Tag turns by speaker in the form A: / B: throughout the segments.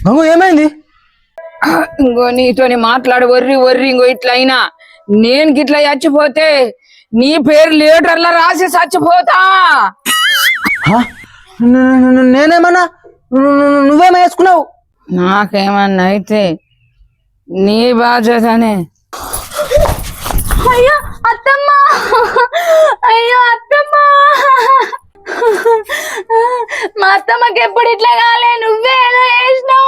A: ఏమైంది?
B: ఇంకో నీతోని మాట్లాడు వర్రి వర్రి ఇంకో ఇట్లా అయినా నేను గిట్లా చచ్చిపోతే నీ పేరు లీటర్లా రాసి చచ్చిపోతా.
A: నేనేమన్నా? నువ్వేమో వేసుకున్నావు?
B: నాకేమన్నా అయితే నీ బాధ్యతనే.
C: అయ్యో అత్తమ్మ, అయ్యో అత్తమ్మ, మా అత్తమ్మకి ఎప్పుడు ఇట్లా కాలే, నువ్వే ఏదో చేసినావు.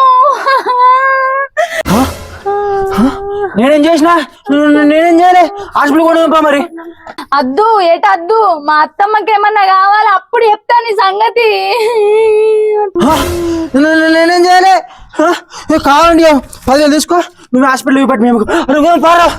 A: నేనేం చేసినా? నేనేం చేయలే. హాస్పిటల్ కూడా మరి.
C: అద్దు ఏటద్దు, మా అత్తమ్మకి ఏమన్నా కావాలి అప్పుడు చెప్తా నీ సంగతి.
A: నేనేం చేయలే. కావాలండి 10,000 తీసుకో, నువ్వు హాస్పిటల్ ఇవ్వబట్టి మేము పారా.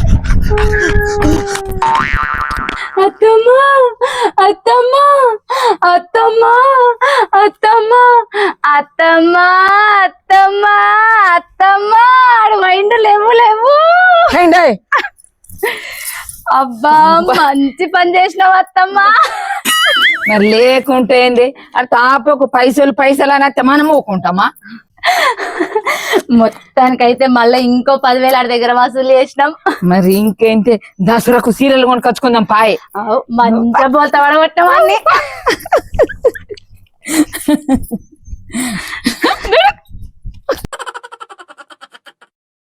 C: అత్తమ్మ అత్తమ్మ అత్తమ్మ అత్తమ్మ అత్తమ్మ అత్తమ్మ అత్తమ్మ ఆడు మైండ్ లేవు లేవు. అబ్బా మంచి పని చేసినావు అత్తమ్మ.
B: మరి లేకుంటే ఏంది? అది తాపకు పైసలు పైసలు అని అత్తే మనం ఊకుంటామా?
C: మొత్తానికైతే మళ్ళీ ఇంకో 10,000 ఆడి దగ్గర వసూలు చేసినాం.
B: మరి ఇంకేంటి, దసరాకు సీరియల్ కొనుకొచ్చుకుందాం పాయ్.
C: మంచిగా పోతా పడగొట్టామని.